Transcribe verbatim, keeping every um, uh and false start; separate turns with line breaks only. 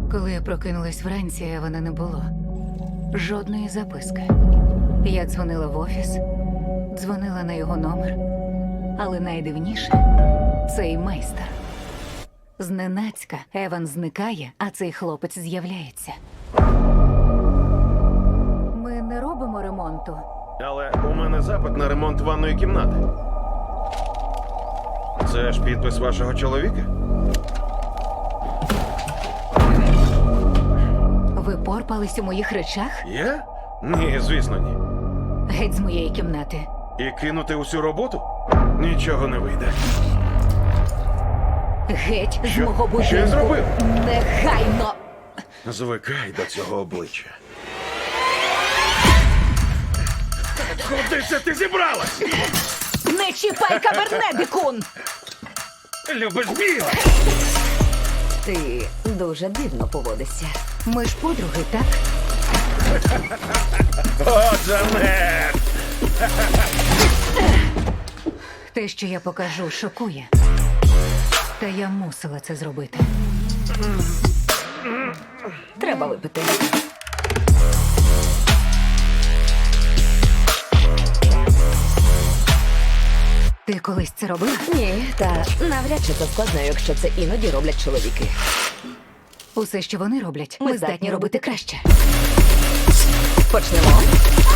Коли я прокинулась вранці, Евана не було. Жодної записки. Я дзвонила в офіс, дзвонила на його номер. Але найдивніше – цей майстер. Зненацька Еван зникає, а цей хлопець з'являється. Ми не робимо ремонту.
Але у мене запит на ремонт ванної кімнати. Це ж підпис вашого чоловіка?
Ви порпались у моїх речах?
Я? Ні, звісно, ні.
Геть з моєї кімнати.
І кинути усю роботу? Нічого не вийде.
Геть з
Що?
мого будинку.
Що я зробив?
Негайно!
Звикай до цього обличчя. Куди це ти зібралась?
Не чіпай кабернедикун!
Любиш біле?
Ти дуже дивно поводишся.
Ми ж подруги, так?
О, Джанет!
Те, що я покажу, шокує. Та я мусила це зробити.
Треба випити.
Ти колись це робила?
Ні, та навряд чи це складно, якщо це іноді роблять чоловіки.
Усе, що вони роблять, ми, здатні робити краще.
Почнемо.